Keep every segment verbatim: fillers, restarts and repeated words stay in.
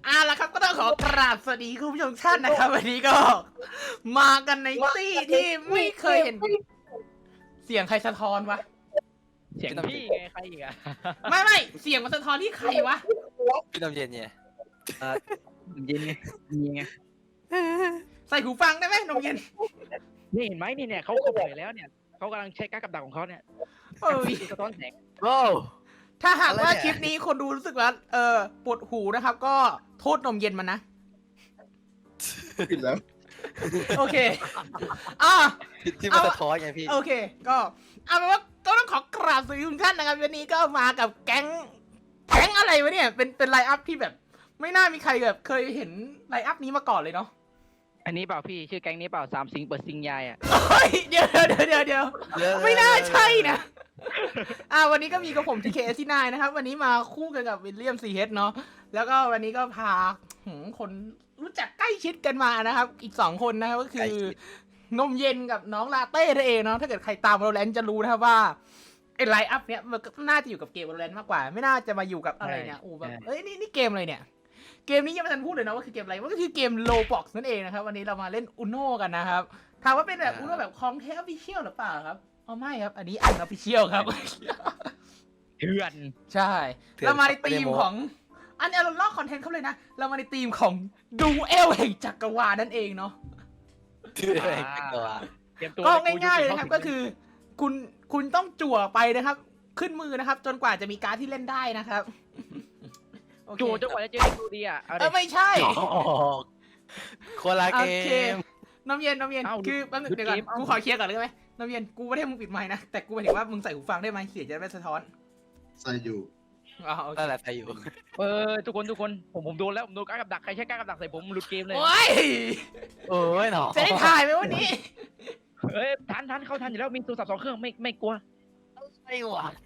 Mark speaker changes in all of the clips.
Speaker 1: อ่ะแล้วครับก็ต้องขอกราบสวัสดีคุณผู้ชมทุกท่านนะครับวันนี้ก็มากันในตี้ที่ไม่เคยเห็นเสียงใครสะท้อนวะ
Speaker 2: เสียงพี่ไงใครอีกอะ
Speaker 1: ไม่ไม่เสียงมันสะท้อนที่ใครวะ
Speaker 3: พี่น้ำเย็นเนี่ย
Speaker 2: เย็นไงมีไง
Speaker 1: ใส่หูฟังได้ไหมนมเย็น
Speaker 2: นี่เห็นไหมนี่เนี่ยเขาเขาเผยแล้วเนี่ยเขากำลังใช้การกับดักของเขาเนี่ย
Speaker 1: เอ้ย
Speaker 2: สะท้อนแสง
Speaker 3: โอ้
Speaker 1: ถ้าหากว่าคลิปนี้คนดูรู้สึกว่าเออปวดหูนะครับ ก็โทษนมเย็นมันนะ
Speaker 4: ผิดแล้ว
Speaker 1: โอเคอ่ะ
Speaker 3: ที่มันสะท้อนไงพี่
Speaker 1: โอเค ก็เอาเป็นว่าก็ต้องขอกราบสวัสดีทุกท่านนะครับวันนี้ก็มากับแก๊งแก๊งอะไรวะเนี่ยเป็นเป็นไลน์อัพที่แบบ ไม่น่ามีใครแบบเคยเห็นไลน์อัพนี้มาก่อนเลยเนาะ
Speaker 2: อันนี้เปล่าพี่ชื่อแก๊งนี้เปล่าสามสิงเปิดซิงยายอ่ะ
Speaker 1: เฮ้ยเดี๋ยวเดี๋ยวเดี๋ยวเดี๋ยวไม่น่าใช่นะอ่าวันนี้ก็มีกับผมทีเคที่นายนะครับ วันนี้มาคู่กันกับวิลเลียมซีเฮดเนาะแล้วก็วันนี้ก็พาหืมคนรู้จักใกล้ชิดกันมานะครับ อีกสองคนนะครับก็คือนมเย็นกับน้องลาเต้นั่นเองเนาะถ้าเกิดใครตาม Valorant จะรู้นะครับว่าไอ้ไลน์อัพเนี้ยมันก็น่าจะอยู่กับเกม Valorant มากกว่า ไม่น่าจะมาอยู่กับอะไรเนี่ยโอ้แบบเอ้ยนี่นี่เกมอะไรเนี่ยเกมนี้ยังไม่ทันพูดเลยนะว่าคือเกมอะไรมันก็คือเกม Roblox นั่นเองนะครับวันนี้เรามาเล่น Uno กันนะครับถามว่าเป็นแบบ Uno แบบของเทป Official หรือเปล่าครับอ๋อไม่ครับอันนี้อัน Official ครับ
Speaker 2: เถื่อน
Speaker 1: ใช่ เรามาในธีมของอันนี้เราลอกคอนเทนต์เขาเลยนะเรามาในธีมของดูเอลแห่งจักรวาลนั่นเองเนาะ
Speaker 3: ที่อะไรกันตัว
Speaker 2: เตรียมตัว
Speaker 1: ก็ง่ายๆเลยนะครับก็คือคุณคุณต้องจั่วไปนะครับ ขึ้นมือนะครับ จนกว่าจะมีการ์ดที่เล่นได้นะครับโอเค
Speaker 2: จู่จนกว่าจะเจอดูดีอ่ะเอา
Speaker 1: เอ
Speaker 2: ดิ
Speaker 1: อไม่ใช่
Speaker 3: คนละ
Speaker 1: โอ
Speaker 3: เก
Speaker 1: เค
Speaker 3: ม
Speaker 1: น้ำเย็นน้ำเย็น
Speaker 2: เอ้า
Speaker 1: คือแป๊บนึง
Speaker 2: หยุด
Speaker 1: เดี๋ยวก่อน
Speaker 2: เกมเอ้า
Speaker 1: กูขอเคลียร์ก่อนได้ไหมน้ำเย็นกูไม่ได้มึงปิดไมค์นะแต่กูหมายถึงว่ามึงใส่หูฟังได้ไหมเสียงจะไม่สะท้อน
Speaker 4: ใส่อยู่
Speaker 1: อ๋อโอเค
Speaker 3: นั่นแหละใครอยู่
Speaker 2: เออทุกคนทุกคนผมผมโดนแล้วผมโดนการกับดักใครใช้การกับดักใส่ผมหลุดเกมเลย
Speaker 1: โอ้ย
Speaker 3: โอ้ยหนอ
Speaker 1: จะได้ถ่ายไหมวันนี้
Speaker 2: เอ้ยทันทันเข้าทันอยู่แล้วมีโทรศัพท์สองเครื่องไม่ไม่กลัว
Speaker 3: อะไรวะ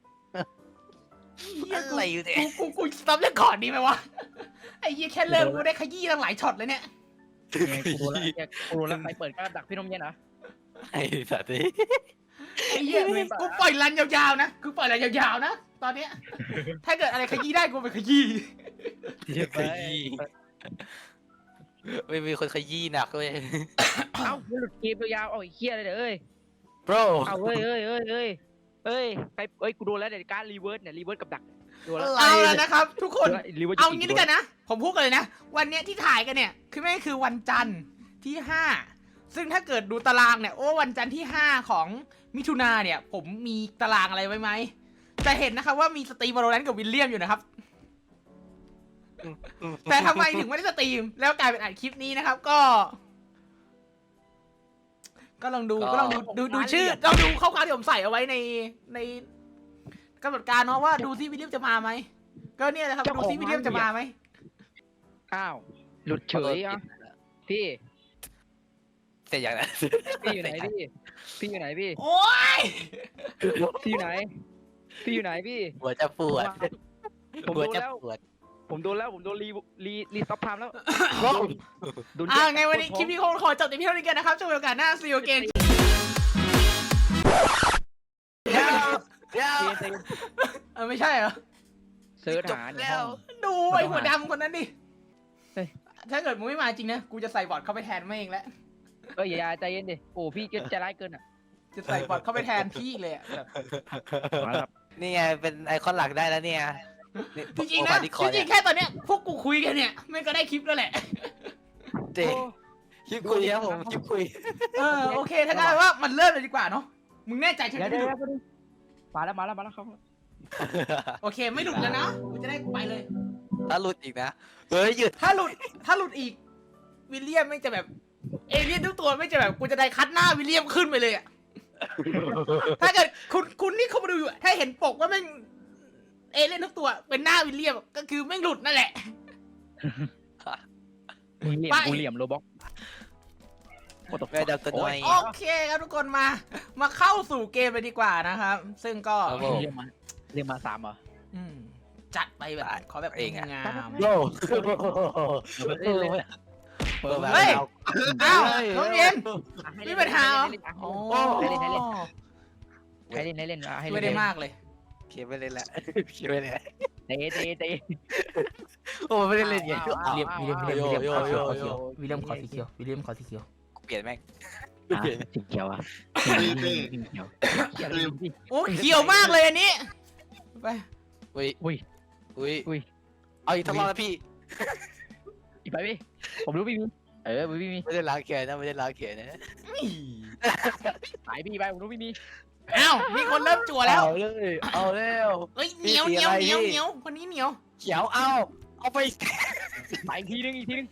Speaker 3: อะไรอยู่เนี่ย
Speaker 1: กูกูกูสต็อปเรื่องก่อนดีไหมวะไอ้ยี่แค่เริ่มกูได้ขยี้ตั้งหลายช็อตเลยเนี่ย
Speaker 2: เนี่ยกูโดนแล้วเนี่ยกูโดนแล้วใครเปิดการกับดักพี่นมเย็นนะ
Speaker 3: ไอ้สัตว์นี่
Speaker 1: ไอ้เหี้ยกูปล่อยรันยาวๆนะกูปล่อยรันยาวๆนะตอนเนี้ยถ้าเกิดอะไรขยี้ได้กูไปขยี้
Speaker 3: ขยี้ไม่มีคนขยี้หนักเลย
Speaker 2: เอ้ามันหลุดเกมยาวๆเอาไอ้เหี้ยเลยเด้อเอ้ย
Speaker 3: bro
Speaker 2: เอาเอ้ยเอ้ยเอ้ยเอ้ยเอ้ยใครเอ้ยกูโดนแล้วเดี๋ยวการรีเวิร์สเนี่ยรีเวิร์สกับดักโดนแล้ว
Speaker 1: เอาแล้วนะครับ ทุกคน
Speaker 2: รีเวิร์ส
Speaker 1: เอางี้ด้วยกันนะ ผมพูดกันเลยนะ วันเนี้ยที่ถ่ายกันเนี่ย คือไม่คือวันจันทร์ที่ห้าซึ่งถ้าเกิดดูตารางเนี่ยโอ้วันจันทร์ที่ห้าของมิถุนาเนี่ย ผมมีตารางอะไรไว้ไหมจะเห็นนะครับว่ามีสตรีม Valorant กับวิลเลียมอยู่นะครับ แต่ทำไมถึงไม่ได้สตรีม แล้วกลายเป็นอัดคลิปนี้นะครับ ก็ ก็ลองดูก็ลองดูดูดูชื่อลองดูข้อความที่ผมใส่เอาไว้ในในกำหนดการเนาะว่าดูซิวิลเลียมจะมาไหมก็เนี่ยนะครับดูซิวิลเลียมจะมาไหม
Speaker 2: อ้าวหลุดเฉยอ่ะพี่
Speaker 3: เสร็จอย่างนั้น
Speaker 2: พี่อยู่ไหนพี่พี่อยู่ไหนพี่
Speaker 1: โอ้ย
Speaker 2: พี่อยู่ไหนพี่อยู่ไหนพี่
Speaker 3: หัวจะปวด
Speaker 2: ผม
Speaker 3: หัว
Speaker 2: โดน
Speaker 3: จะ
Speaker 2: แล้ว
Speaker 3: ปวด
Speaker 2: ผมโดนแล้วผมโดนรีรีรีซับไทม์แล้วโดน
Speaker 1: อ่าไงวันนี้คลิปนี้คงขอจบแต่เพียงเท่านี้กันนะครับจนโอกาสหน้าซีโอเกน
Speaker 3: เดี๋ยวเดี๋ยว
Speaker 2: เกม
Speaker 1: เออไม่ใช่เหรอ
Speaker 2: เซิร์ชหาในห้อง
Speaker 1: ดูไอ้หัวดำคนนั้นดิถ้าเกิดมึงไม่มาจริงนะกูจะใส่บอทเข้าไปแทนไม่เองแล้ว
Speaker 2: เอ้ยอย่าใจเย็นดิโอ้พี่ใจร้ายเกินอ่ะ
Speaker 1: จะใส่บอทเข้าไปแทนพี่เลยอะแบบ
Speaker 2: มาครับ
Speaker 3: นี่ไงเป็นไอคอนหลักได้แล้วเนี่ย
Speaker 1: จริงๆนะจริงๆแค่ตอนเนี้ยพวกกูคุยกันเนี่ยไม่ก็ได้คลิปแล้วแหละ
Speaker 3: เจ๊คลิปคุยครับผมคลิปคุย
Speaker 1: เออโอเคถ้างั้นว่ามันเริ่มเลยดีกว่าเนาะมึงแน่ใจใช่ไหม
Speaker 2: เดี๋ยวเดี๋ยวเดี๋ยวมาแล้วมาแล้วมาแล้วครับ
Speaker 1: โอเคไม่หลุดแล้วนะกูจะได้ไปเลย
Speaker 3: ถ้าหลุดอีกนะเฮ้ยหยุด
Speaker 1: ถ้าหลุดถ้าหลุดอีกวิลเลียมไม่จะแบบเอเลี่ยนทุกตัวไม่จะแบบกูจะได้คัดหน้าวิลเลียมขึ้นไปเลยอะถ้าเกิดคุณคุณนี่เขามาดูอยู่อะถ้าเห็นปกว่าแม่งเอเลี่ยนทุกตัวเป็นหน้าวิลเลียมก็คือแม่งหลุดนั่นแหละ
Speaker 2: มึงเหลี่ยม
Speaker 1: ไป
Speaker 2: กูเหลี่ยมโรบ็อก
Speaker 3: แม่เดาตัวน้อย
Speaker 1: โอเคครับทุกคนมามาเข้าสู่เกมเลยดีกว่านะครับ ซึ่งก็
Speaker 3: ครับผม
Speaker 2: เรียกมาเรียกมาสามเหรอ
Speaker 1: อืมจัดไปแบบขอแบบ
Speaker 3: เองอะ
Speaker 1: งาม
Speaker 3: โล
Speaker 2: เล่นเลย
Speaker 3: เปิดมา
Speaker 1: เฮ้ย
Speaker 3: แล้ว
Speaker 1: อ้าวน้องเย็นมีปัญหาเหรอ
Speaker 2: โอ้
Speaker 1: โอ้
Speaker 2: ให้เล่นให้เล่นให้เล่นให้เล่นอ่ะให้
Speaker 1: ช่วย
Speaker 2: เล่น
Speaker 1: ได้มากเลย
Speaker 3: เขียนไปเลยแหละเขียนไปเลย
Speaker 2: ไหนเตะเตะเตะ
Speaker 3: โอ้ไม่ได้เล่นไง
Speaker 1: วิลเลียมวิลเลียมวิลเลียมวิลเลียม
Speaker 3: โย
Speaker 1: ขอ
Speaker 3: โย
Speaker 1: เขียวขอ
Speaker 3: โย
Speaker 1: เขียววิลเลียมขอสีเขียววิลเลียมขอสีเขียว
Speaker 3: เปลี่ยนแม่ง
Speaker 2: อ่ะ
Speaker 3: เปลี่ยน
Speaker 2: สีเขียวอ่ะ
Speaker 4: เต้เต้
Speaker 2: สีเขียวเขียวเลยดิ
Speaker 1: โอ้เขียวมากเลยอันนี้ไป
Speaker 3: อุ้ย
Speaker 2: อุ้ย
Speaker 3: อุ้ย
Speaker 2: อุ้ย
Speaker 3: เอาอีกทั้งรอบนะพี่
Speaker 2: อีกไปพี่ผมรู้พี่มีเออพี่มี
Speaker 3: ไม่ได้ล้างแขนนะไม่ได้ล้างแขนนะ
Speaker 2: ไปพี่ไปผมรู้พี่มี
Speaker 1: อ้าวมีคนเริ่มจั่วแล้ว
Speaker 3: เอาเลยเอาแล้ว
Speaker 1: เอ้ยเหนียวเหนียวเหนียวเหนียวคนนี้เหนียว
Speaker 3: เขียวเอาเอาไป
Speaker 2: ไปอีกทีนึงอีกทีนึง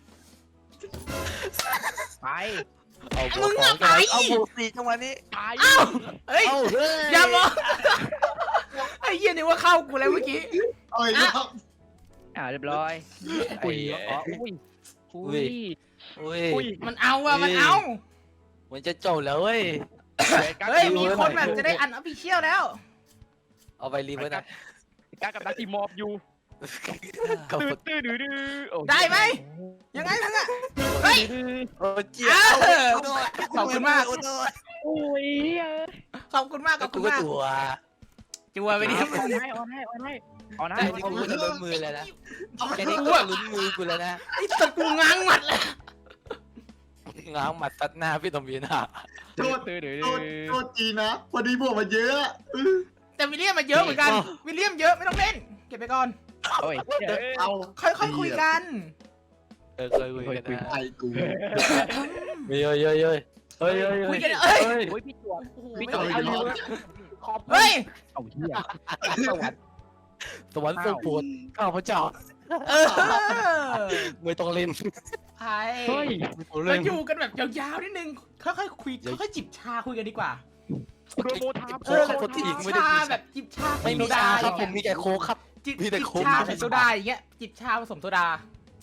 Speaker 2: ไป
Speaker 3: เอาบวกสองจังหวะเอาบวกสี่จังหวะนี้
Speaker 2: ไป
Speaker 1: อ้าวเฮ้ย
Speaker 3: เอาเฮ้ย
Speaker 1: อย่าบอกไอ้เหี้ยนี่ว่าเข้ากูแล้วเมื่อกี้
Speaker 4: เอ้ยแล้ว
Speaker 2: อ่าเรียบร้อยอุ้ยอ๋ออุ้ยอุ้ย
Speaker 3: อุ้ย
Speaker 2: อุ้ย
Speaker 1: มันเอาอะมันเอา
Speaker 3: มันจะจบแล้วเว้ย
Speaker 1: เฮ้ยมีคนแบบจะได้อันออฟฟิเชียลแล้ว
Speaker 3: เอาไปรีเวิร์สนะ
Speaker 2: กล้ากับดักทีมอบอยู่
Speaker 3: กับ
Speaker 2: ตื้อตื้อดื้อดื้อโอ้
Speaker 1: ได้ไหมยังไงมึงอะเฮ้ย
Speaker 3: โอ้เจี๊ยบ
Speaker 1: ขอบคุณมาก
Speaker 2: โอ้ย
Speaker 1: ขอบคุณมากข
Speaker 3: ก็
Speaker 1: อบ
Speaker 3: กู
Speaker 1: คุณ
Speaker 3: ก็
Speaker 1: มาก
Speaker 3: ตัว
Speaker 1: จั่วไปดิ
Speaker 2: ออนให้ออนให้ออนให้ออนให้
Speaker 3: แค่นี้กูก็ลุ้นมือแล้วนะแค่นี้ก็ลุ้นมือกูแล้วนะ
Speaker 1: ไอ้สัตว์กูง้างหมัดเลย
Speaker 3: ง้างหมัดซัดหน้าพี่ตอมบีน่ะ
Speaker 4: โทษ
Speaker 2: ตื้อดื้อ
Speaker 4: โทษโทษจีนะพอดีบวกมาเยอะอื้อ
Speaker 1: แต่วิลเลียมมาเยอะเหมือนกันวิลเลียมเยอะไม่ต้องเล่นเก็บไปก่อน
Speaker 2: โอ้ย
Speaker 4: เอา
Speaker 1: ค่อยๆคุยกัน
Speaker 3: เออเคยคุยกันนะ
Speaker 4: ไอ้กู
Speaker 3: เฮ้ยเฮ้ยเฮ้ยเฮ้ยเฮ้ย
Speaker 1: คุยกันเอ้ย
Speaker 2: โอ้ยพี่จวบ
Speaker 1: โอ้โห
Speaker 2: พี่
Speaker 1: ไม่
Speaker 2: จ
Speaker 1: ต้
Speaker 2: ว
Speaker 1: อบ ง
Speaker 2: เอาอยู่ขอบ
Speaker 1: เฮ้ย
Speaker 2: เอาเหี้ยสวัสดี
Speaker 3: สวรรค์ทรงโปรดข้าพเจ้า
Speaker 1: เออ
Speaker 3: ไม่ต้องเล่น
Speaker 1: ไอ้
Speaker 2: เฮ้ย
Speaker 1: เราอยู่กันแบบยาวๆนิดนึงค่อยๆคุยค่อยๆจิบชาคุยกันดีกว่า
Speaker 2: โปรโมทา
Speaker 1: เออ
Speaker 3: ขอบคุณที่อีกไม่ได้
Speaker 1: ชา
Speaker 3: กิน
Speaker 1: แบบจิบชา
Speaker 3: ไม่มี
Speaker 1: โซดา
Speaker 3: ชาครับ
Speaker 1: อ
Speaker 3: ผ
Speaker 1: ย่าง
Speaker 3: ม
Speaker 1: เงี้ย
Speaker 3: มีแต่โค้กครับ
Speaker 1: จิบ
Speaker 3: มีแต่
Speaker 1: จิบ
Speaker 3: โค้ก
Speaker 1: ชาใส่โซดาอย่างเงี้ยจิบชาผสมโซดา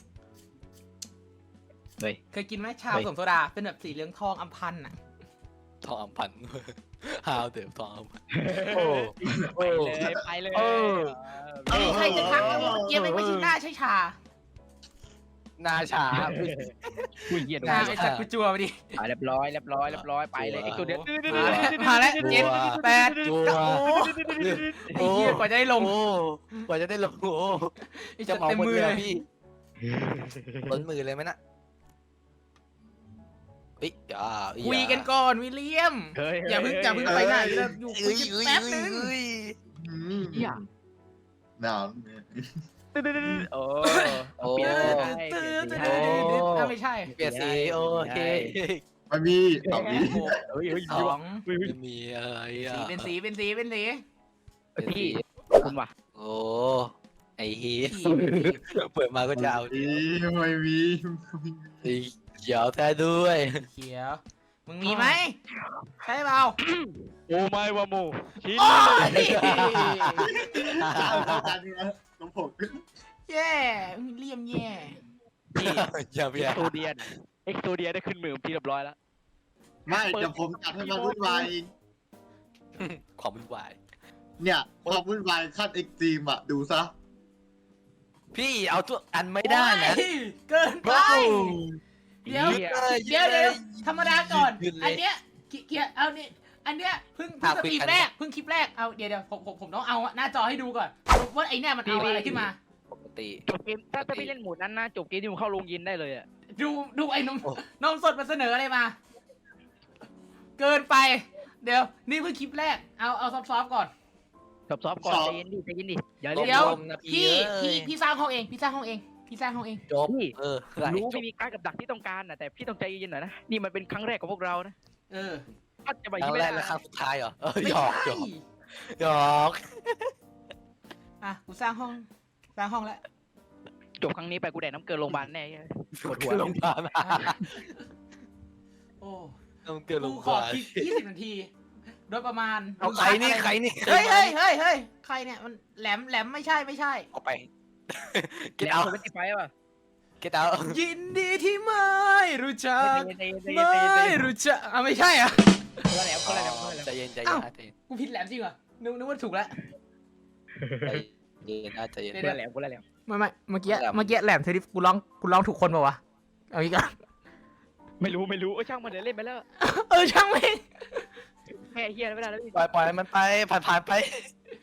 Speaker 2: เฮ้ย
Speaker 1: เคยกินไหมชา
Speaker 2: เฮ้
Speaker 1: ผ
Speaker 2: ย
Speaker 1: สมโซดาเป็นแบบสีเหลืองทองอัมพันธ์อ่ะ
Speaker 3: ทองอัมพันธ์ฮาวเดี๋ยวทองอัมพันธ์โอ้
Speaker 2: ไปเลยไปเลย
Speaker 3: เออ
Speaker 1: เอ้ยใครจะทักนะว่าเมื่อกี้ไม่ไม่ใช่หน้าใช่ชา
Speaker 3: นาชา
Speaker 2: คุยเหี้ย
Speaker 1: หน้าไอ้สัตว์กูจัวไปดิ
Speaker 2: อ่ะเรียบร้อยเรียบร้อยเรียบร้อยไปเลยไอ้ตัวเดียว
Speaker 1: มาแล้วเจ็ดแปด
Speaker 3: จัว
Speaker 1: เก้าโอ้ไอ้เหี้ยกว่าจะได้ลง
Speaker 3: โอ้กว่าจะได้ลงโอ้
Speaker 1: ไอ้
Speaker 3: จะ
Speaker 1: จะ
Speaker 3: เหมา
Speaker 1: เต็ม
Speaker 3: หมด
Speaker 1: มือ
Speaker 3: เลย
Speaker 1: เลย
Speaker 3: อะพี่ล้นมือเลยไหมนะเฮ้ยอย่า
Speaker 1: คุยกันก่อนวิลเลียม
Speaker 2: เฮ้ย
Speaker 1: อย่าเพิ่งอย่าเพิ่งไปไหนเลยอยู่คุ
Speaker 3: เอ้
Speaker 1: ย
Speaker 3: ย
Speaker 1: กัน
Speaker 3: เอ้ย
Speaker 1: แป๊บนึง
Speaker 3: เอ้ย
Speaker 4: อืม
Speaker 2: เหี้ย
Speaker 4: หนาว
Speaker 2: โอ้
Speaker 3: โอ้
Speaker 2: เปลี่ยน
Speaker 1: ตื้อ
Speaker 2: สี
Speaker 1: ตื้อ
Speaker 2: ให้
Speaker 1: ตื้อ
Speaker 2: เปลี่ยนสี
Speaker 1: ตื้อ
Speaker 2: ให้
Speaker 1: ตื้ออ่ะไม่ใช่
Speaker 3: เปลี่ยนสีโอเค
Speaker 4: ไม่มีตอบนี้
Speaker 2: เฮ้ยเฮ้ย
Speaker 1: สอง
Speaker 3: ไม่มีอะไรอ่ะ
Speaker 1: สีเป็นสีเป็นสีเป็นสี
Speaker 3: เป็นสี
Speaker 2: พี่คุณว่ะ
Speaker 3: โอ้ไอเฮีย
Speaker 1: สีเป็นสี
Speaker 3: เปิดมาก็จะเอา
Speaker 4: อีไม่มี
Speaker 3: สีเขียวแท้ด้วย
Speaker 1: เขียวมึงมีไหมใช่เปล่า
Speaker 2: โอ้ไม่วะโมชิ้น
Speaker 1: โอ้ย
Speaker 4: เอาจานนี้นะน้องผม
Speaker 1: แย่วิลเลียมแย่
Speaker 3: อย่าเบีย
Speaker 2: เอ็กโซเดียนเอ็กโซเดียนได้ขึ้นมือพี่เรียบร้อยแล้ว
Speaker 4: ไม่เดี๋ยวผมจัดให้มาวุ่นวายเอง
Speaker 3: ความวุ่นวาย
Speaker 4: เนี่ยความวุ่นวายขั้นเอ็กซ์ตรีมอะดูซะ
Speaker 3: พี่เอาทุกอันไม่ได้นะ
Speaker 1: โอ้ยเกินไป เดี๋ยว เดี๋ยวเดี๋ยวธรรมดาก่อน
Speaker 3: ยืนเลย
Speaker 1: อันเนี้ยเกียเกียเอานี่อันเนี้ยเพิ่งเพิ่ง
Speaker 3: อ่ะ
Speaker 1: ส
Speaker 3: คุย
Speaker 1: ตรีม
Speaker 3: กัน
Speaker 1: แรกเพิ่งคลิปแรกเอาเดี๋ยวเดี๋ยวผมผมผมต้องเอาหน้าจอให้ดูก่อนว่าไอ้เนี่ยมันเอาอะไรขึ้นมา
Speaker 3: ปกติ
Speaker 2: จบเกมถ้าถ้าพี่เล่นโหมดนั้นนะจบเกมที่ผมเข้าโรงยินได้เลยอ่ะ
Speaker 1: ดูดูไอ้นม
Speaker 3: โอ้
Speaker 1: นมสดมาเสนออะไรมา เกินไป เดี๋ยวนี่เพิ่งคลิปแรกเอาเอาซอฟต์ๆก่อน
Speaker 2: ซอฟต์ๆก่อนใจเย็นดิใจเย็นดิอย่า
Speaker 1: เดี๋
Speaker 2: เล่น
Speaker 1: ยว
Speaker 3: ลมๆนะพี่
Speaker 1: พี่
Speaker 3: เอ้ย
Speaker 1: พี่พี่สร้างห้องเองพี่สร้างห้องเองพี่สร้างห้องเอง
Speaker 3: จบ
Speaker 2: พี่
Speaker 3: เออ
Speaker 2: รู้ไม่มีการกับดักที่ต้องการนะแต่พี่ต้องใจเย็นหน่อยนะนี่มันเป็นครั้งแรกของพวกเรานะ
Speaker 1: เออ
Speaker 2: ก็จะไป
Speaker 3: ครั้ง
Speaker 2: ไม่
Speaker 3: แร
Speaker 2: ได้
Speaker 3: กและครั้งสุดท้ายเหรอเออ
Speaker 1: ไม่
Speaker 3: หยอกหย
Speaker 1: ใช่
Speaker 3: อกหยอก
Speaker 1: อ่ะกูสร้างห้องสร้างห้องแล้ว
Speaker 2: จบครั้งนี้ไปกูแดกน้ำเกลือโรงพยาบาลแน่ปวดหัว
Speaker 3: โรงพยาบาล
Speaker 1: โอ้
Speaker 3: ต้องเกิดโร
Speaker 1: กู
Speaker 3: งพ
Speaker 1: ขอย
Speaker 3: าบาล
Speaker 1: คลิปยี่สิบนาที โดยประมาณ
Speaker 3: เอาใครนี่ใครนี่
Speaker 1: เฮ้ยเฮ้ยเฮ้ยเฮ้ยใครเนี่ยมันแหลมแหลมไม่ใช่ไม่ใช่
Speaker 3: เอาไป
Speaker 2: แล้
Speaker 3: get
Speaker 2: ว
Speaker 3: out
Speaker 2: คนไม่ติดไฟป่ะ
Speaker 3: get out
Speaker 1: ยินดีที่ไม่รู้จัก
Speaker 2: ใจเย็นใจเย็นใจ
Speaker 1: ไม่
Speaker 2: เย็นใจเย็น
Speaker 1: รู้จักอ่ะไม่ใช่อ่ะ
Speaker 2: คนละแหลมคนละแหลมคนละแหลม
Speaker 3: ใจเย็นใจเย็นนะใจเย็น
Speaker 1: กูผิดแหลมจริงเหรอนึกนึกว่าถูกแล้ว
Speaker 3: ใจเย็นนะใจเย็น
Speaker 2: คนละแหลมคนละแหลม
Speaker 1: ไม่ไม่เมื่อกี้
Speaker 3: แหลม
Speaker 1: เมื่อกี้แหลมเธอที่กูร้องกูร้องถูกคนป่าวะเอาอีกอ่ะ
Speaker 2: ไม่รู้ไม่รู้เออช่างมันเดี๋ยวเล่นไปแล้ว
Speaker 1: เออช่างแม่ง
Speaker 2: แค่เฮียไม่ได้แล้วพี่
Speaker 3: ปล่อยปล่อยมันไปผ่านผ่านไป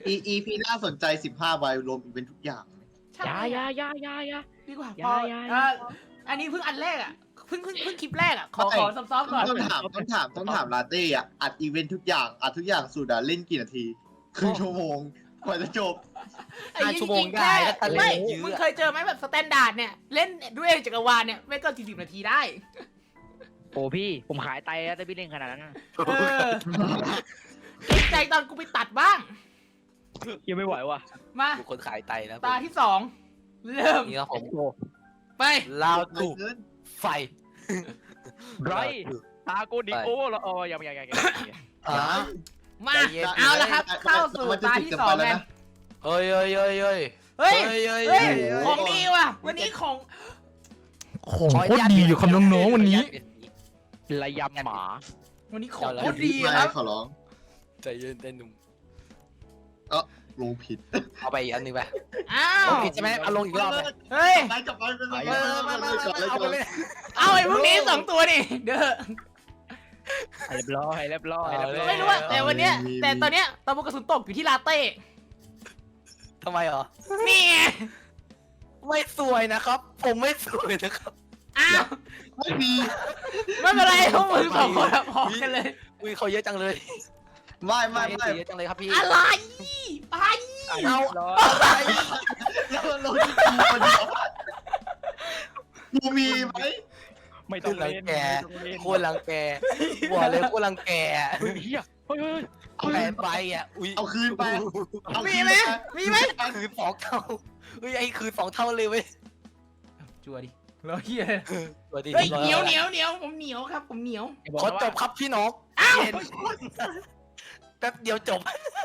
Speaker 4: อีอีพีน่าสนใจสิบห้าใบรวมอีเวนท์ทุกอย่าง
Speaker 1: ใช่
Speaker 2: อยาอยาอยาอยาอยา
Speaker 1: ดีกว่า
Speaker 2: อย่า
Speaker 1: พอ
Speaker 2: อย่า
Speaker 1: เอ่ออันนี้เพิ่งอันแรกอ่ะเพิ่งเพิ่งเพิ่งคลิปแรกอ่ะขอขอซอฟๆก่อน
Speaker 4: ต้องถามต้องถามต้องถามลาเต้อะอัดอีเวนท์ทุกอย่างอัดทุกอย่างสุดอะเล่นกี่นาทีครึ่งชั่วโมงกว่าจะจบ
Speaker 1: ไอ้
Speaker 3: ห้า
Speaker 1: จ
Speaker 3: ชั่วโม
Speaker 1: ริ
Speaker 3: ง
Speaker 1: งๆ
Speaker 3: ได้
Speaker 1: แค่
Speaker 3: ถ้าตะเล่
Speaker 1: ไม่
Speaker 3: นเย
Speaker 1: มึง
Speaker 3: อะ
Speaker 1: เคยเจอไหมแบบสแตนดาร์ดเนี่ยเล่นด้วยจักรวาลเนี่ยไม่เกินสี่สิบนาทีได้
Speaker 2: โอ้พี่ผมขายไตแล้วแต่พี่เล่นขนาดนั้นนะ
Speaker 1: เออเกรงใจตอนกูไปตัดบ้าง
Speaker 2: ยังไม่ไหวว่ะ
Speaker 1: มา
Speaker 3: ดูคนขายไตนะ
Speaker 1: ตาที่สองเริ่ม
Speaker 3: นี่ครับผม
Speaker 2: โอ้
Speaker 1: ไป
Speaker 3: ลาว
Speaker 4: ไป
Speaker 3: ถูก
Speaker 4: เกิน
Speaker 3: ไฟ
Speaker 2: ไรตากูดิโอ้แล้วอ๋อยังยังยังยัง
Speaker 3: อ่า
Speaker 1: มา
Speaker 3: ใจเย็น
Speaker 1: เอาละครับ เข้าสู่ตาที่สองไง
Speaker 3: เฮ้ยเฮ้ยเฮ้ยเฮ้ย
Speaker 1: เฮ้ย
Speaker 3: เฮ้ยเฮ้ย
Speaker 1: เฮ้ย
Speaker 3: เฮ้ย
Speaker 1: ของดีว่ะ วันนี้ของ
Speaker 5: ของโคตรดีอยู่ครับน้องๆวันนี้
Speaker 2: ระยำหมา
Speaker 1: วันนี้ของโคตรดีครับ
Speaker 4: ขอร้อง
Speaker 3: ใจเย็นใจหนุ่ม
Speaker 4: ลงผิด
Speaker 3: เอาไปอีกอันหนึงไป
Speaker 1: อ้า
Speaker 3: ล
Speaker 1: ว
Speaker 3: งผิดใช่ไหมเอาลงอีกรอบไหม
Speaker 1: เฮ้ย
Speaker 4: ไปกลับไปไปไป
Speaker 3: เออมามามาเอาไปเลย
Speaker 1: เอาไอ้พวกนี้สองตัวนี่เด้อ
Speaker 2: เรียบร้อยเรียบร้อยเรียบร้อย
Speaker 1: ไม่รู้อะแต่วันเนี้ยแต่ตอนเนี้ยตะบุกกระสุนตกอยู่ที่ลาเต้
Speaker 3: ทำไมเหรอ
Speaker 1: นี่ไง
Speaker 3: ไม่สวยนะครับ ผมไม่สวยนะครับ
Speaker 1: อ้าว
Speaker 4: ไม่มี
Speaker 1: ไม่เป็นไรพวกมึงสองคนอะพอกันเลย
Speaker 3: อุ้ยเขาเยอะจังเลย
Speaker 4: ไม่ไม่ไม่
Speaker 3: เยอะจังเลยครับพี่
Speaker 1: อะไรไป
Speaker 3: เอา
Speaker 2: ร้อย
Speaker 4: แล้วเราที่กูคนเดียวกูมีไหม
Speaker 2: ไม่ต้องเล่นไม่ต้องเล่น
Speaker 3: โคตรรังแกหัวเลยโคตรรังแก
Speaker 2: เฮ้ยเฮียเฮ้ยเฮ้ย
Speaker 3: เอาแผนไปอ่ะอุ้ย
Speaker 4: เอาคืนไปเอา
Speaker 1: มี
Speaker 4: คืน
Speaker 1: ไหม
Speaker 4: ไป
Speaker 1: มีไหม
Speaker 3: คืนสองเท่าเฮ้ยไอ้คืนสองเท่าเลยเว้ย
Speaker 1: จัวดิเราเฮีย
Speaker 3: สวัสดี
Speaker 1: เฮ้ยเหนียวเหนียวเหนียวผมเหนียวครับผมเหนียว
Speaker 3: ขอจบครับพี่น้อง
Speaker 1: อ้าว
Speaker 3: เย็นแป๊บเดียวจบ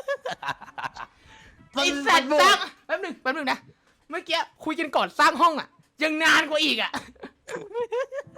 Speaker 1: ไอสัตว์สร้างแป๊บหนึงแป๊บหนึงนะเมื่อกี้คุยกันก่อนสร้างห้องอะยังนานกว่าอีกอะ